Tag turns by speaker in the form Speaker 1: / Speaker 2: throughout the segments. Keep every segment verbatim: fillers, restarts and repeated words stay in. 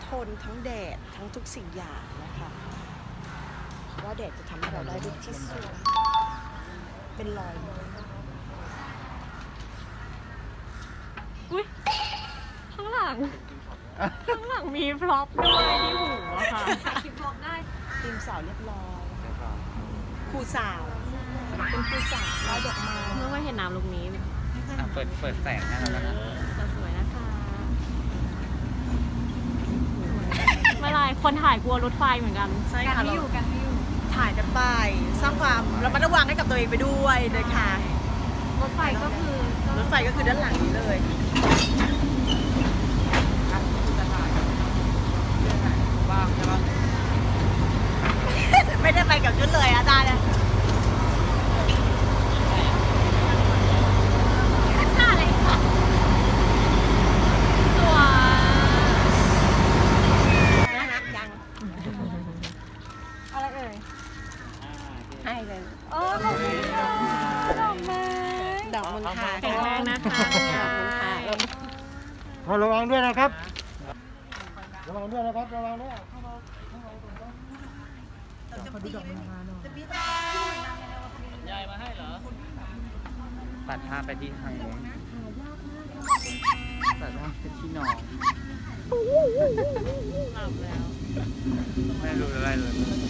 Speaker 1: ทนทั้งแดดทั้งทุกสิ่งอย่างนะคะเพราะว่าแดดจะทำให้เราได้รูปที่สวยเป็นรอย
Speaker 2: อุ้ยข้างหลังข้างหลังมีพร็อพด้วยที่หูอะค่ะคิดพร็อพได้
Speaker 1: ทีมสาวเรียบร้อยครูสาวเป็นครูสาวลายดอกไม้
Speaker 2: เมื่อไม่เห็นน้ำลูกนี้
Speaker 3: เปิดเปิดแสงให้เราแล้วนะ
Speaker 2: จะสวยนะคะไม่ไรคนถ่ายกลัวรถไฟเหมือนกัน
Speaker 1: ใช่ค่ะ
Speaker 2: กันไม่อยู่กันไม่อยู่
Speaker 1: ถ่ายกันไปสร้างความระมัดระวังให้กับตัวเองไปด้วยนะคะ
Speaker 2: รถไฟก็คือ
Speaker 1: รถไฟก็คือด้านหลังนี้เลย
Speaker 3: บ้างใช่ปะ
Speaker 1: ไม่ได้ไปกับชุดเลยอาจารย์เนี่ย
Speaker 2: ท่าอะไรคะสวย
Speaker 1: น่ารักจัง
Speaker 2: อะไรเอ่ย
Speaker 1: ให้เลย
Speaker 2: โอ้ดอกไม้ดอกไม้
Speaker 1: ดอกมณฑา
Speaker 2: แข็งแรงนะคะ
Speaker 1: ดอกมณฑาแล้ว
Speaker 4: ขอระวังด้วยนะครับ ระวังด้วยนะครับ ระวังด้วย
Speaker 3: ตัดภาพไปที่ทางนู้นตัดภาพไปที่น้อง
Speaker 2: หลับแล้ว
Speaker 3: ไม่รู้อะไรเลย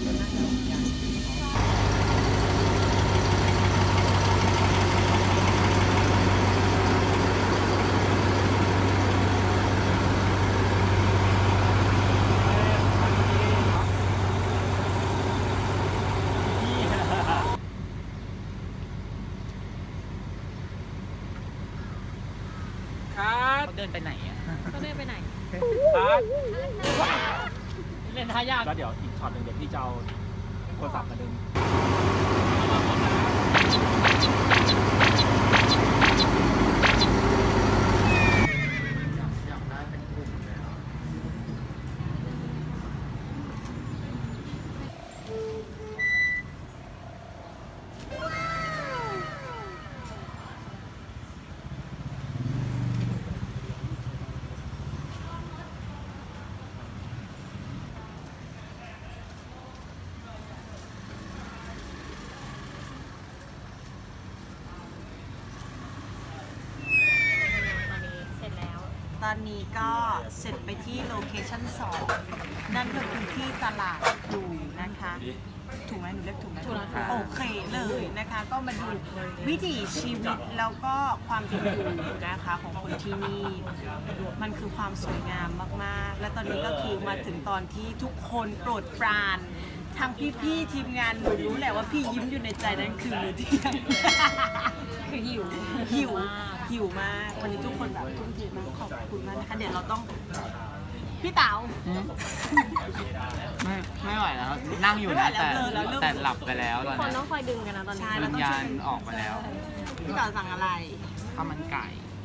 Speaker 5: ครับ
Speaker 3: เขาเดินไปไหนอ่ะ
Speaker 2: ก็เดินไปไหน
Speaker 5: ครับ
Speaker 3: เล่นท่ายาก
Speaker 5: แล้วเดี๋ยวอีกช็อตหนึ่งเดี๋ยวพี่จะเอาโทรศัพท์มาดึง
Speaker 3: อยากได้เป็นกลุ่มเลยอ่ะ
Speaker 2: ตอนนี้เสร็จแล้ว
Speaker 1: ตอนนี้ก็เสร็จไปที่โลเคชั่นสองนั่นก็คือที่ตลาดดูนะคะ ถูกไหมหนูเรียกถูกไหม
Speaker 2: ถูกแล้วค่ะ
Speaker 1: โอเคเลยนะคะ ก็มาดูวิถีชีวิตแล้วก็ความเป็นอยู่นะคะของคนที่นี่ มันคือความสวยงามมากๆ และตอนนี้ก็คือมาถึงตอนที่ทุกคนโปรดปรานทางพี่ๆทีมงานหนูรู้แหละว่าพี่ยิ้มอยู่ในใจนั่นคือมื้อเที่ยง
Speaker 2: คือหิว
Speaker 1: หิวหิวมากวันนี้ทุกคนแบบทุ่มเทมากขอบคุณมากนะคะเดี๋ยวเราต้องพี่เต๋า
Speaker 3: ไม่ไม่ไหวแล้ว นั่งอยู่นะแต่
Speaker 1: ไม่ไหวแล้วเลิกแล้วเลิก
Speaker 3: แต่หลับไปแล้วต
Speaker 2: ทุ
Speaker 3: อก น
Speaker 2: คน
Speaker 3: นี้
Speaker 2: ต้องคอยดึงกันนะตอนนี้
Speaker 1: ใช่
Speaker 3: วิญญาณออกไปแล้ว
Speaker 1: พี่เต๋าสั่งอะไร
Speaker 3: ข้าวมันไก่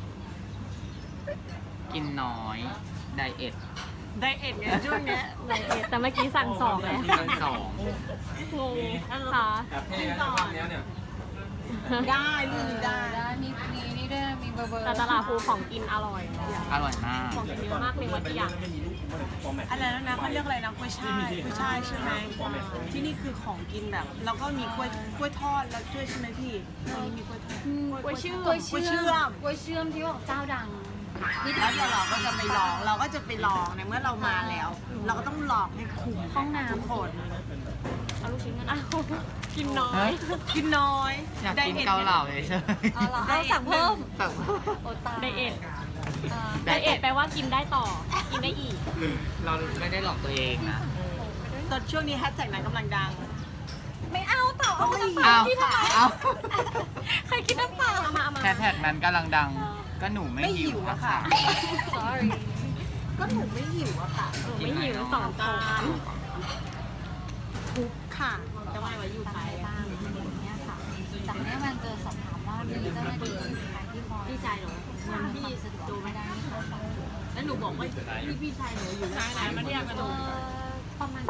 Speaker 3: กินน้อย ไดเอท
Speaker 1: ไดเอทไงช่วงเนี้ย
Speaker 2: ไดเอทแต่เมื่อกี้สั่งสองเลย
Speaker 3: กินสอง
Speaker 2: งงค่ะ
Speaker 1: กินก่อนได้ลูกนี้ได้
Speaker 6: มีมีนี่ด้วยมีเบอร์เบอร์
Speaker 2: แต่ตลาดภูของกินอร่อย
Speaker 3: อร่อยมาก
Speaker 2: ของกินเยอะมากเลยวันที่อยาก
Speaker 1: อะไรแล้วนะเขาเรียกอะไรนะกล้วยช่ายกล้วยช่ายใช่ไหมที่นี่คือของกินแบบแล้วก็มีกล้วยกล้วยทอดแล้วด้วยใช่ไหมพี่ตรงนี้มีกล้วยทอด
Speaker 2: กล้วยเชื่อม
Speaker 6: กล้วย
Speaker 1: กล้วยเชื่
Speaker 6: เชื่
Speaker 1: อ
Speaker 6: อ
Speaker 1: ม
Speaker 6: มกล้วยเชื่อมที่บอกเจ้าดัง
Speaker 1: แล้วเดี๋ยวเราก็จะไปลองเราก็จะไปลองในเมื่อเรามาแล้ว เราก็ต้องลองให้คุ้ม
Speaker 6: ห้องน้ำ
Speaker 1: ทุกคน
Speaker 2: เอาลูกชิ้นกันอ้าวกินน้อย
Speaker 1: กินน้อย
Speaker 3: อยากกินเกาเหลาเฉย
Speaker 6: เอาเหรอเอาสั่งเพิ่ม
Speaker 3: ๆแบบ
Speaker 6: โอตาย
Speaker 2: ไดเอท
Speaker 6: อ่า
Speaker 2: ไดเอทแปลว่ากินได้ต่อ กินได้อีก
Speaker 3: เราไม่ได้หลอกตัวเองนะ
Speaker 1: ตอนช่วงนี้แฮชแท็กนั้นกำลังดัง
Speaker 6: ไม่เอาต่อเอา
Speaker 1: ไม่
Speaker 6: น้ำเป
Speaker 3: เอา
Speaker 6: ล่าที่ทำไม
Speaker 3: เอา
Speaker 6: ใครกินน้ำเปล่า
Speaker 2: เอามาเอามา
Speaker 3: แฮชแท็กนั้นกำลังดัง ก็หนูไม่
Speaker 1: ไม่
Speaker 3: หิ
Speaker 1: หิ
Speaker 3: ว
Speaker 1: ว
Speaker 3: นะ
Speaker 1: อะ
Speaker 3: คะ
Speaker 1: ค่ะ
Speaker 6: sorry
Speaker 1: ก็หนูไม่หิวอะค่ะ
Speaker 2: เออไม่หิวสองจาน
Speaker 1: ทุกค่ะจะไม่ไว้อยู่
Speaker 6: ตาม
Speaker 1: ไทย
Speaker 6: ไปบ้างอย่างเงี้ยค่ะจากนี้มันจะสอบถามว่ามีเจ้าหน้าที่ใครที่คอย
Speaker 2: พี่ชายหนู
Speaker 6: ทำให้สะดวกไม่ได้ไหมคะ
Speaker 2: แล้วหนูบอกว่าพี่พี่ชายหนูอยู่ไหนมาเรียกกันหนู
Speaker 6: เอ่อประมาณ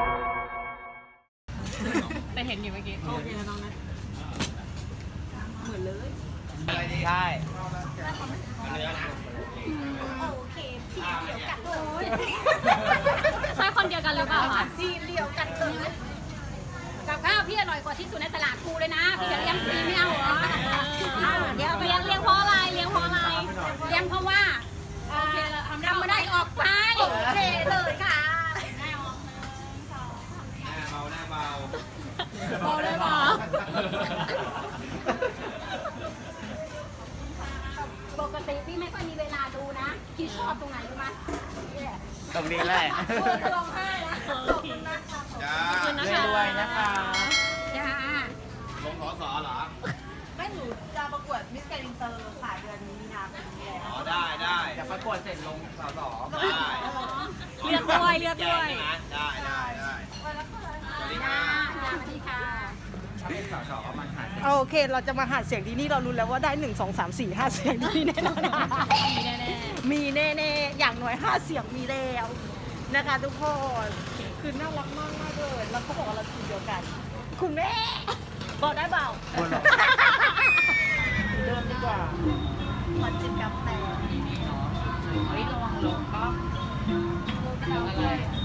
Speaker 2: แต่เห็นอยู่เมื่อกี้โอเคแล้วน้องนะ
Speaker 1: เหมือนเลย
Speaker 3: ใช่
Speaker 1: โอเคพี่เดี๋ยวกัดเลย
Speaker 2: คนเดียวกันหรือเปล่าคะ
Speaker 1: สีเดียวกันเลย
Speaker 6: กับข้าวพี่อร่อยกว่าที่สุดในตลาดกูเลยนะพี่จะเลี้ยงฟรีไม่เอาเหรอ
Speaker 2: เดี๋ยวเลี้ยงเลี้ยงเพราะอะไรเลี้ยงเพราะอะไร
Speaker 6: เลี้ยงเพราะว่าทำไม่ได้ออกไป
Speaker 1: โอเคเลยค่ะ
Speaker 2: เบาได้ปะ
Speaker 6: ปกติพี่ไม่ค่อยมีเวลาดูนะพี่ชอบตรงไหนรู้ไหมนี่แหละ
Speaker 3: ตรงนี้แหละ
Speaker 6: โอ้จะร้องไห้นะขอบคุณมากค่ะ
Speaker 2: ขอบคุณนะคะ
Speaker 3: รวยๆนะคะ
Speaker 6: จ้า
Speaker 1: ไม่หนูจะประกวดมิสแกรนด์อินเตอร์ค่ะเดือนมีนาคมนี้แล้ว
Speaker 3: ได้ได้เดี๋ยวประกวดเสร็จลงสอสอได้
Speaker 2: เลือกด้วยเลือกด้วย
Speaker 3: ได้ได้ได้สวัสดี
Speaker 6: จ้า
Speaker 3: ค่ะ
Speaker 6: จ้าสวัสดีค่ะ
Speaker 3: ถ้าเป็นสอสอมันหาเสียง
Speaker 1: โอเค เราจะมาหาเสียงที่นี่เรารู้แล้วว่าได้หนึ่งสองสามสี่ห้าเสียงที่นี่แน่นอน
Speaker 2: มีแน่
Speaker 1: มีแน่ๆอย่างน้อยห้าเสียงมีแล้วนะคะทุกคนคือน่ารักมากมากๆเลยแล้วเขาบอกว่าเราทีมเดียวกัน คุณแม่บอกได้เปล่า
Speaker 3: คนหรอ
Speaker 1: เดิมดีกว่าขอจิบกาแฟ
Speaker 3: เฮ้ยระวังลงก็อะไร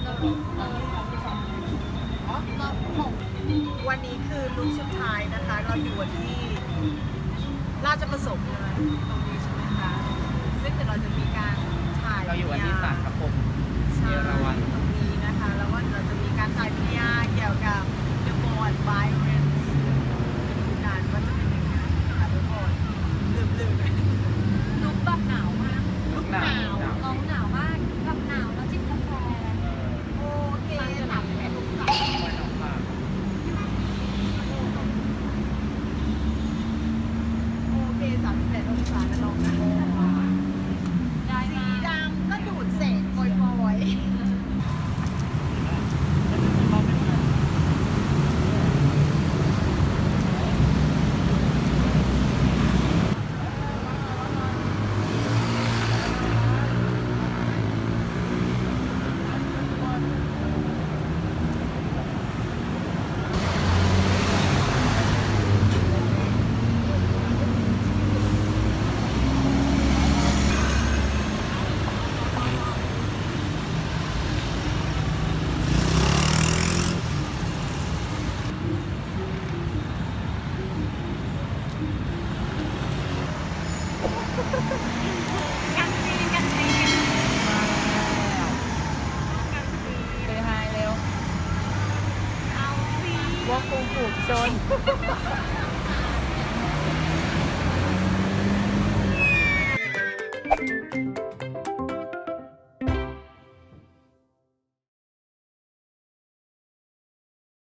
Speaker 1: วันนี้คือลุคสุดท้ายนะคะ เราอยู่ที่ราชประสงค์เลยตรงนี้ใช่ไหมคะซึ่งเดี๋ยวเราจะมีการถ่าย
Speaker 3: เราอยู่กันที่ศาลพระพรหม
Speaker 1: ใช่
Speaker 3: เอราวัณ
Speaker 1: ตรงนี้นะคะ แล้วก็เราจะมีการถ่ายพิยาเกี่ยวกับ The Born Violence ดูกันว่าจะเป็นยังไงนะคะทุกคนลืมๆ
Speaker 6: ลุกแบบหนาวมาก
Speaker 3: ลูกหนาว
Speaker 6: น้องหนาวมากแบบหนาวแล้วจิบกาแฟ
Speaker 1: โอเค
Speaker 6: จะหนาวแค่ลุกใส่
Speaker 3: วันออกมา
Speaker 1: โอเคสามสิบแปดองศานะน้องนะ
Speaker 6: ได้
Speaker 1: สี
Speaker 6: มา
Speaker 1: ดำก็ดูดเศษปล่อยๆ
Speaker 3: เซฮายเร็ว
Speaker 1: ว่าคงผูกชน